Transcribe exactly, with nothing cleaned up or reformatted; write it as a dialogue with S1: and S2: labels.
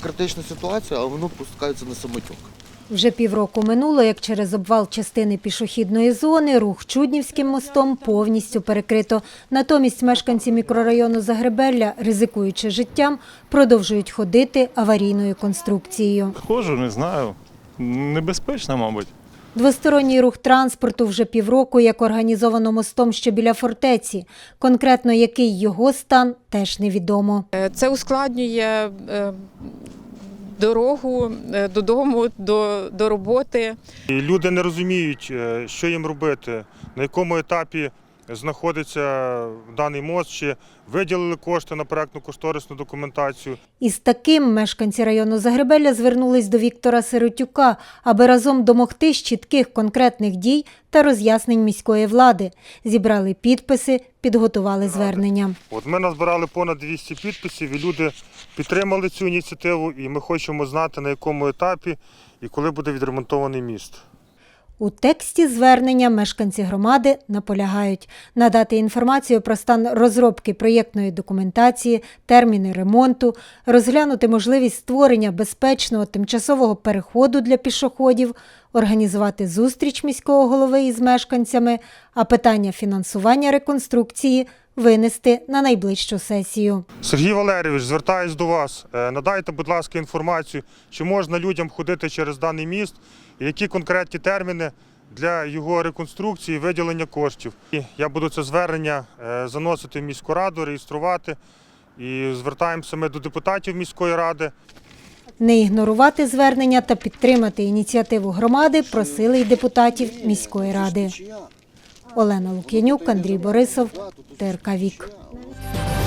S1: критична ситуація, а воно пускається на самотек.
S2: Вже півроку минуло, як через обвал частини пішохідної зони рух Чуднівським мостом повністю перекрито. Натомість мешканці мікрорайону Загребелля, ризикуючи життям, продовжують ходити аварійною конструкцією.
S3: Ходжу, не знаю. Небезпечно, мабуть.
S2: Двосторонній рух транспорту вже півроку як організовано мостом, що біля фортеці. Конкретно який його стан, теж невідомо.
S4: Це ускладнює е, дорогу е, додому, до, до роботи.
S5: І люди не розуміють, е, що їм робити, на якому етапі знаходиться даний мост, чи виділили кошти на проектно-кошторисну документацію.
S2: Із таким мешканці району Загребелля звернулись до Віктора Сиротюка, аби разом домогтись чітких конкретних дій та роз'яснень міської влади. Зібрали підписи, підготували звернення.
S5: От ми назбирали понад двісті підписів, і люди підтримали цю ініціативу, і ми хочемо знати, на якому етапі і коли буде відремонтований міст.
S2: У тексті звернення мешканці громади наполягають надати інформацію про стан розробки проєктної документації, терміни ремонту, розглянути можливість створення безпечного тимчасового переходу для пішоходів, організувати зустріч міського голови із мешканцями, а питання фінансування реконструкції винести на найближчу сесію.
S5: Сергій Валерійович, звертаюсь до вас. Надайте, будь ласка, інформацію, чи можна людям ходити через даний міст, і які конкретні терміни для його реконструкції, виділення коштів. І я буду це звернення заносити в міську раду, реєструвати, і звертаємося ми до депутатів міської ради.
S2: Не ігнорувати звернення та підтримати ініціативу громади просили й депутатів міської ради. Олена Лук'янюк, Андрій Борисов, Т Р К Вік.